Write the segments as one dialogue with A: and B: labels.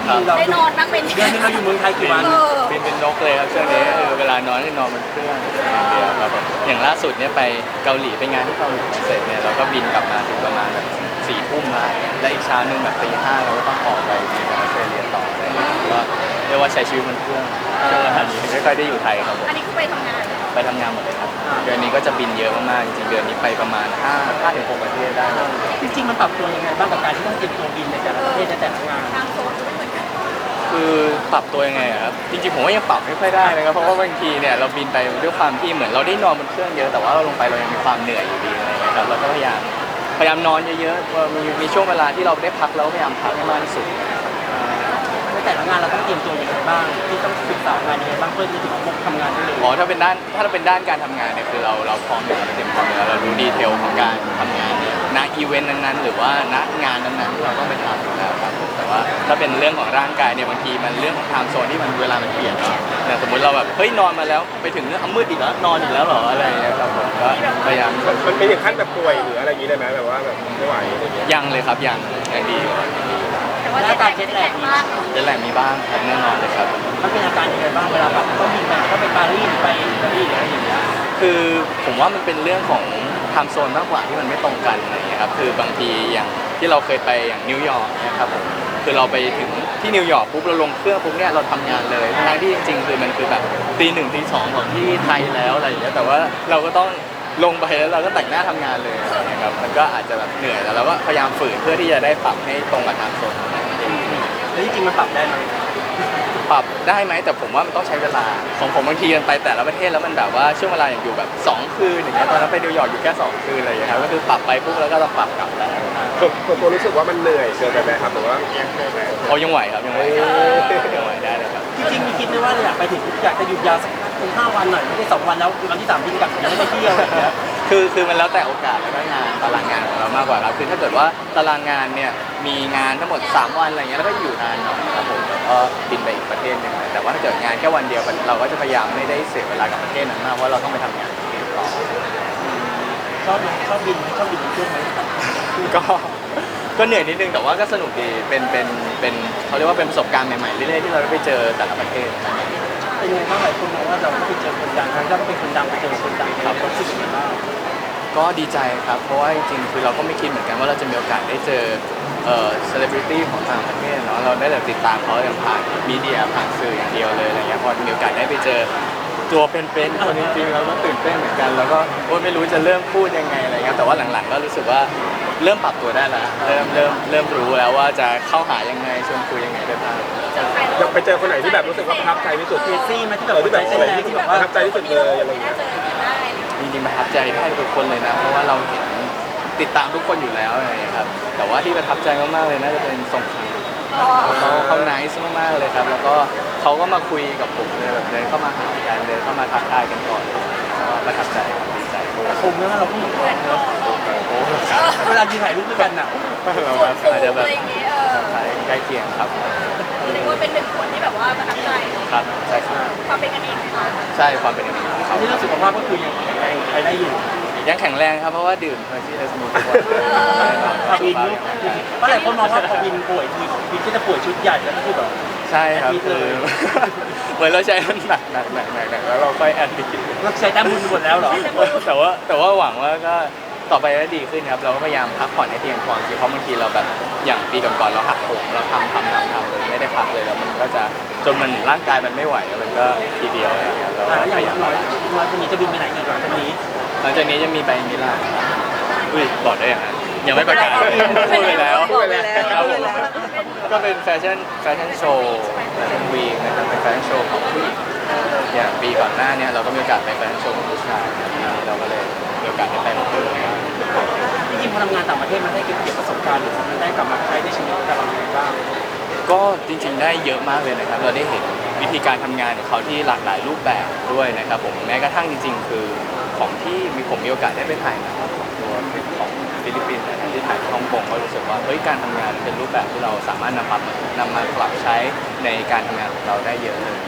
A: ได้นอนบ้างเป็น
B: เดือนนึงเราอยู่เมืองไทยกี่วัน
C: บินเป็นนกเลยครับช่วงนี้เวลานอนก็นอนบนเครื่องอย่างเดียวครับผมอย่างล่าสุดเนี่ยไปเกาหลีไปงานที่เกาหลีเสร็จเนี่ยเราก็บินกลับมาถึงประมาณแบบ4 ทุ่มละและอีกเช้านึงแบบตี 5เราก็ต้องออกไปที่ออสเตรเลียต่ออะไรอย่างเงี้ยก็เรียกว่าใช้ชีวิตบนเครื่องช่วงเวลานี้ไม่ค่อยได้อยู่ไทยครับผม
A: อันนี้คือไปทำงาน
C: ไปทำงานหมดเลยครับเดือนนี้ก็จะบินเยอะมากๆจริงๆเดือนนี้ไปประมาณ5 ถึง 6 ประเทศได้ครับ
B: จริงๆมันปรับตัวยังไงบ้างกับการที่ต้องเตรียมตัวบินในแต่ละประเทศในแต่ละงาน
A: ทางโซนก็ไม่เหมือนกัน
C: คือปรับตัวยังไงอะครับจริงๆผมว่ายังปรับไม่ค่อยได้นะครับเพราะว่าบางทีเนี่ยเราบินไปด้วยความที่เหมือนเราได้นอนบนเครื่องเยอะแต่ว่าเราลงไปเรายังมีความเหนื่อยอยู่ดีอะไรอย่างเงี้ยครับเราก็พยายามนอนเยอะๆว่ามีช่วงเวลาที่เราได้พักแล้วพยายามพักให้มากที่สุด
B: ในแต่ละงานเราต้องเตรียมตัวยังไงบ้างที่ต้องศึกษางานยังไงบ้างเพื่อที่จะทำงานได้เลย
C: อ๋อถ้าเราเป็นด้านการทำงานเนี่ยคือเราพร้อมอยู่แล้วเราเตรียมพร้อมอยู่แล้วเรารู้ดีเทลของการทำงานเนี่ยณอีเวนต์นั้นๆหรือว่าณงานนั้นๆที่เราต้องไปทำอยู่แล้วครับผมแต่ว่าถ้าเป็นเรื่องของร่างกายเนี่ยบางทีมันเรื่องของไทม์โซนที่มันเวลามันเปลี่ยนเนาะอย่างสมมติเราแบบเฮ้ยนอนมาแล้วไปถึงเนี่ยมืดอีกแล้วนอนอีกแล้วเหรออะไรอย่างเงี้ยครับผมก็พยายาม
D: มันเป็นถึงขั้นแบบป่วยหรืออะไรอย่างนี้ได้ไหมแบบว่าแบบไม่ไหวอะไรเงี้ย
C: ยังเลยครับยังดี
A: แต่ว่าเจ็ตแลกมาก
C: เดี๋ยวแหละมีบ้างครับแน่นอนเลยครับ
B: มันเป็นอาการยังไงบ้างเวลาแบบต้องบินไปก็ไปปารีสไปอิตาลีหรืออะไรอย่างเงี้ย
C: คือผมว่ามันเป็นเรื่องของไทม์โซนมากกว่าที่มันไม่ตรงกันอะไรอย่างเงี้ยครับคือบางทีอย่างที่เราเคยไปอย่างนิวยอร์กเนี่ยครับผมคือเราไปถึงที่นิวยอร์กปุ๊บเราลงเครื่องปุ๊บเนี่ยเราทำงานเลยทั้งที่จริงๆคือมันคือแบบตี 1ตี 2ของที่ไทยแล้วอะไรอย่างเงี้ยแต่ว่าเราก็ต้องลงไปแล้วเราก็แต่งหน้าทำงานเลยอะไรอย่างเงี้ยครับมันก็อาจจะแบบเหนื่อยแล้วเราก็พยายามฝืนเพื่อที่จะได้ปรับให้ตรงกับไทม์โซนของเรา
B: แล้วจริงๆมันปรับได้ไหม
C: ปรับได้ไหมแต่ผมว่ามันต้องใช้เวลาของผมบางทีมันไปแต่ละประเทศแล้วมันแบบว่าช่วงเวลาอย่างอยู่แบบ2 คืนอย่างเงี้ยตอนนั้นไปนิวยอร์กอยู่แค่2 คืนอะไรอย่างเงี้ยครับก็คือปรับไปปุ๊บแล้วก็ต้องปรับกลับแล้ว
D: ส่วนตัวรู้สึกว่ามันเหนื่อยเกินไปไหมครับหรือว่ายังไงไหม
C: เขายังไหวครับยังไหวได้เลยครับ
B: จริงๆมีคิดไหมว่าอยากไปถึงอยากจะหยุดยาวสัก5 วันหน่อยไม่ได้2 วันแล้ววันที่3บินกลับยังไม่ได้เที่ยวอะไรอย่างเงี้ย
C: คือมันแล้วแต่โอกาสแล้วก็งานตารางงานของเรามากกว่าครับคือถ้าเกิดว่าตารางงานเนี่ยมีงานทั้งหมด3 วันอะไรเงี้ยแล้วก็อยู่นานหน่อยครับผมแล้วก็บินไปอีกประเทศหนึงแต่ว่าถ้าเกิดงานแค่วันเดียวเราก็จะพยายามไม่ได้เสียเวลากับประเทศนั้นมากเพราะเราต้องไปทำงานที่อื่นต่อ
B: ชอบไหมชอบบินบนเครื่องไหม
C: ก็เหนื่อยนิดนึงแต่ว่าก็สนุกดีเป็นเขาเรียกว่าเป็นประสบการณ์ใหม่ๆเรื่อยๆที่เราได้ไปเจอแต่ละประเทศ
B: เป็นยังไงบ้างหลายคนมองว่าเราก็ไปเจอคนดังทั้งที่เราก็เป็นคนดังไปเจอคนดังครับรู้สึกยังไงบ้าง
C: ก็ดีใจครับเพราะว่าจริงๆคือเราก็ไม่คิดเหมือนกันว่าเราจะมีโอกาสได้เจอเซเลบริตี้ของต่างประเทศเนาะเราได้แบบติดตามเขาอย่างผ่านมีเดียผ่านสื่ออย่างเดียวเลยอะไรเงี้ยพอมีโอกาสได้ไปเจอตัวเป็นๆคนจริงๆเราก็ตื่นเต้นเหมือนกันแล้วก็โอ๊ยไม่รู้จะเริ่มพูดยังไงอะไรเงี้ยแต่ว่าหลังๆก็รู้สึกว่าเริ่มปรับตัวได้แล้วเริ่มรู้แล้วว่าจะเข้าหายังไงชวนคุยยังไงได้บ้าง
D: อยากไปเจอคนไหนที่แบบรู้สึกว่าประทับใจที่สุด
B: เจซี่ไหมที่แบบ
D: ที่แบบ
B: ใจ
D: อะไร
B: แรง
D: ที่
B: ที่
D: แบ
B: แบบ บ
D: ประ
B: ว่า
D: ทับใจที่สุดเลยอะไร
A: ไม่
D: เงี้
A: น่าย เจอกันได้
C: จริงๆประทับใจได้ทุกคนเลยนะเพราะว่าเราเห็นติดตามทุกคนอยู่แล้วอะไรอย่างเงี้ยครับแต่ว่าที่ประทับใจมากๆเลยน่าจะเป็นสงขลาเขาไนซ์มากๆเลยครับแล้วก็เขาก็มาคุยกับผมเลยแบบเดินเข้ามาหากันเดินเข้ามาทักทายกันก่อนก็ประทับใจครับดีใจ
B: คงแล้วเราก็เหมือนกันเนอะ
C: โอ้ครับ
B: เวลายืนถ่ายรูปด้วยกันน่ะ
C: เรา
A: ส่วนสูง
C: อาจจะแบบ
A: อะไรอย่างเงี้ย
C: ใกล้เคียงครับ
A: เรียกว่าเป็นหนึ่งคนที่แบบว่าประทับใจ
C: ครับใช่ครับ
A: ความเป็นกันเองนะคะ
C: ใช่ความเป็นอย่างนี้ของเขา
B: ที่เรื่องสุขภาพก็คือยังแข็งแรงไปได้อยู่
C: ยังแข็งแรงครับเพราะว่าดื่มเฮอร์ชี่เอสมูทุกวัน
B: บินเพราะหลายคนมองว่าพอบินป่วยทีบินก็จะป่วยชุดใหญ่แล้วก็คือแบบ
C: ใช่ครับคือเหมือนเราใช้มันหนักแล้วเราค่อยแอดดิก
B: เราใช้แต้มบุญหมดแล้วเหรอ
C: แต่ว่าหวังว่าก็ต่อไปก็ดีขึ้นครับเราก็พยายามพักผ่อนให้เพียงพอเพราะบางทีเราแบบอย่างปีก่อนๆเราหักโหมเราทำเลยไม่ได้พักเลยแล้วมันก็จะจนมันร่างกายมันไม่ไหวแล้วมันก็ทีเดียวอะไรอย่างเงี้ยเรา
B: แล้วอ
C: พ
B: ย่าง
C: ยายาม
B: น้อยคนนี้จะบินไปไหนอีกหลังจากนี้
C: หลังจากนี้จะมีไปมิลานอุ้ยบอกได้ยังไงยังไม่ประกาศพูดไปแล้ว
A: บอกไปแล้ว
C: ครับผมก็เป็นแฟชั่นโชว์แฟชั่นวีคนะครับเป็นแฟชั่นโชว์ของผู้หญิงอย่างปีก่อนหน้าเนี่ยเราก็มีโอกาสไปแฟชั่นโชว์ของผู้ชายเราก็เลยมีโอกาสได้ไปหมดเลย
B: จริงๆพอทำงานต่างประเทศมันได้เก็บประสบการณ์หรือมันได้กลับมาใช้ในชีวิตกับเราอย่างไรบ้าง
C: ก็จริงๆได้เยอะมากเลยนะครับเราได้เห็นวิธีการทำงานของเขาที่หลากหลายรูปแบบด้วยนะครับผมแม้กระทั่งจริงๆ คือของที่ผมมีโอกาสได้ไปถ่ายนะครับของตัวของฟิลิปปินส์นะครับที่ถ่ายที่ฮ่องกงก็รู้สึกว่าเฮ้ยการทำงานเป็นรูปแบบที่เราสามารถนำมาปรับใช้ในการทำงานของเราได้เยอะเลย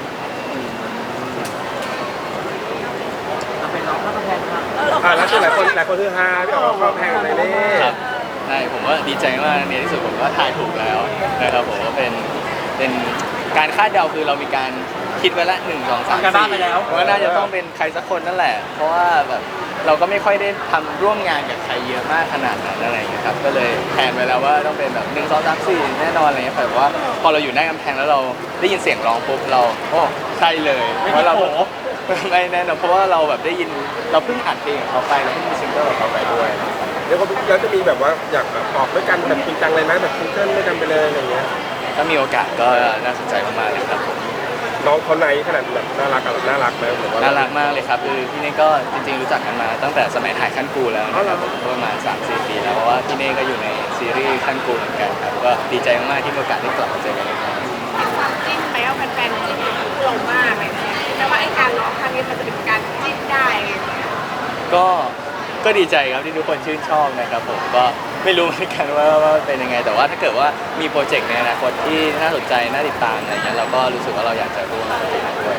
B: เราเป็นน้องข้าวกำแพงครับ
D: แล้วคือหลายคนคือฮาพี่อ๋อเข้าแพงในเล่
C: ครับใช่ผมว่าดีใจมากในที่สุดผมก็ถ่ายถูกแล้วนะครับผมก็เป็นเป็นการคาดเดาคือเรามีการคิดไว้ละ1 2 3
B: ทำการบ้านไปแล้ว
C: ว่าน่าจะต้องเป็นใครสักคนนั่นแหละ เพราะว่าแบบเราก็ไม่ค่อยได้ทำร่วมงานกับใครเยอะมากขนาดนั้นอะไรอย่างเงี้ยครับก็เลยแผนไว้แล้วว่าต้องเป็นแบบ1 2 3 4แน่นอนอะไรเงี้ยแต่ว่าพอเราอยู่หน้ากำแพงแล้วเราได้ยินเสียงร้องปุ๊บเราโอ้ใช่เลย
B: ไม่
C: เพ
B: มี
C: ราะเรา
B: โผ
C: ไม่แน่นอนเพราะว่าเราแบบได้ยินเราเพิ่งอัดเพลงของเขาไปเราเพิ่งมีซิงเกิลของเขาไปด้วย
D: แล้วก็แล้วจะมีแบบว่าอยากออกด้วยกันแบบจริงจังเลยไหมแบบซิงเกิลด้วยกันไปเลยอะไรอย่างเงี้ย
C: ถ้ามีโอกาสก็น่าสนใจมากๆเลยครับผม
D: น้องเขาในขนาดแบบน่ารักน่ารักไหมหรือว่า
C: น่ารักมากเลยครับคือพี่เน่ก็จริงๆรู้จักกันมาตั้งแต่สมัยถ่ายขั้นกูแล้วนะครับผมก็ประมาณ 3-4 ปีแล้วเพราะว่าพี่เน่ก็อยู่ในซีรีส์ขั้นกูเหมือนกันครับก็ดีใจมากๆที่มีโอกาสได้กลับมาเจอกันอีกครั้ง
A: ความจิ้นไปเอาแฟนๆจิ้นกับเรามากเลยนะแต่ว่าไอ้การร้องครั้งนี้มันจะเป็นการจิ้นได้อะไรอย่างเงี้ย
C: ก็ดีใจครับที่ทุกคนชื่นชอบนะครับผมก็ไม่รู้เหมือนกันว่าเป็นยังไง แต่ว่าถ้าเกิดว่ามีโปรเจกต์ในอนาคตที่น่าสนใจน่าติดตามอะไรเงี้ยเราก็รู้สึกว่าเราอยากจะร่วมงานด้วย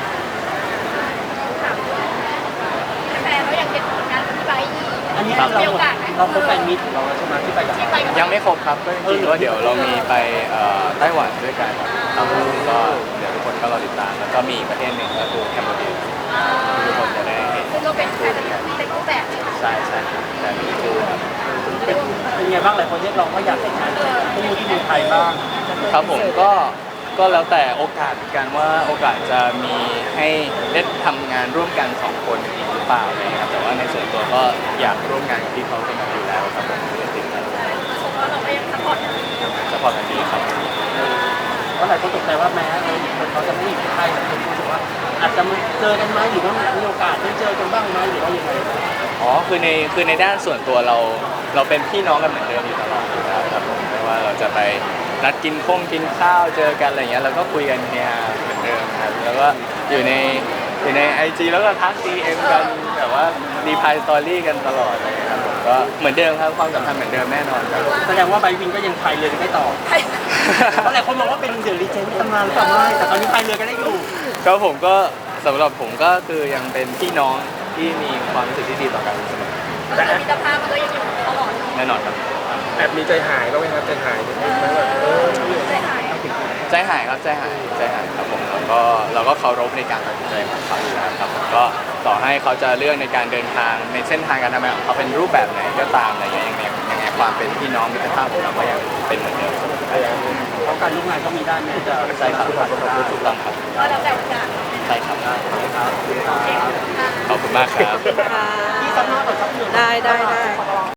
A: แฟนเราอยากเห็นผลงานของพี่ไบร์ทอีก
B: อันนี้
C: ครับ
B: เรา
A: มีโอกาสไหม
B: เราคบแฟนมิตรของเราแล้วใช่ไหมที่ไปกับ
A: ที่ไปกับ
C: ยังไม่ครบครับก็จริงๆว่าเดี๋ยวเรามีไปไต้หวันด้วยกันครับผมก็เดี๋ยวทุกคนก็รอติดตามแล้วก็มีอีกประเทศหนึ่งก็คือแคมโบเดียทุกคนจะได้เห็น
A: ซึ่งก็เป็นแฟนที่เป็นรูปแบบเลยค่ะ
C: ใช่ครับแต่นี่คือครับ
B: เป็นไงบ้างหลายคนเรียกร้องว่าอยากเห็นงานคู่ที่เมืองไทยบ้าง
C: ครับผมก็แล้วแต่โอกาสเหมือนกันว่าโอกาสจะมีให้ได้ทำงานร่วมกัน2 คนอีกหรือเปล่าอะไรเงี้ยครับแต่ว่าในส่วนตัวก็อยากร่วมงานกับพี่เขาเป็นอยู่แล้วครับผมไม่ติดครับ
A: ชมว่าเราก็ยังซัพพอร์ตกันดี
C: สปอร์ตกันดีครับ
B: เพราะหลายคนตกใจว่าแม้คนเขาจะไม่อยู่ในไทยแต่คนรู้สึกว่าอาจจะมาเจอกันไหมหรือว่ามีโอกาสได้เจอกันบ้างไหมหรือว่ายังไง
C: อ๋อคือในด้านส่วนตัวเราเป็นพี่น้องกันเหมือนเดิมอยู่ตลอดอยู่แล้วครับผมไม่ว่าเราจะไปนัดกินข้าวเจอกันอะไรเงี้ยเราก็คุยกันเฮียเหมือนเดิมครับแล้วก็อยู่ในIG แล้วก็ทัก DM กันแบบว่ารีพายสตอรี่กันตลอดเลยครับผมก็เหมือนเดิมครับความสัมพันธ์เหมือนเดิมแน่นอนครับ
B: แสดงว่าไบวินก็ยังพายเรือกันได้ต่อเพราะหลายคนมองว่าเป็นเดอะรีเจนต์ตำนานหรือเปล่าไม่แต่ตอนนี้พายเรือกันได้อยู่
C: ก็ผมก็สำหรับผมก็คือยังเป็นพี่น้องที่มีความรู้สึกที่ดีต่อกันเสมอ
A: แล้วมิตรภาพมันก็ยังอยู่ตลอด
C: แน่นอนครับ
D: แอบมีใจหายบ้างไหมครับใจหายนิดนึงไหมแบบ
A: ใจหาย
C: ใจหายครับใจหายครับผมแล้วก็เราก็เคารพในการตัดสินใจของเขาอยู่แล้วครับผมก็ต่อให้เขาจะเลือกในการเดินทางในเส้นทางการทำงานของเขาเป็นรูปแบบไหนก็ตามอะไรอย่างเงี้ยยังไงความเป็นพี่น้องมิตรภาพของเราก็ยังเป็นเหมือนเดิม
B: เพราะการร่วมงานก็มีด้านนี้จะ
C: ใช่ครับถูกต้องครับ
A: ก็แล้วแต่โอกาส
C: ใช่ครับ
B: ครับ
A: โอเคค่ะ
C: ขอบคุณมากครับ
E: ค่ะ
B: ที่ซับหน้าต่อซับเหนือ
E: ได้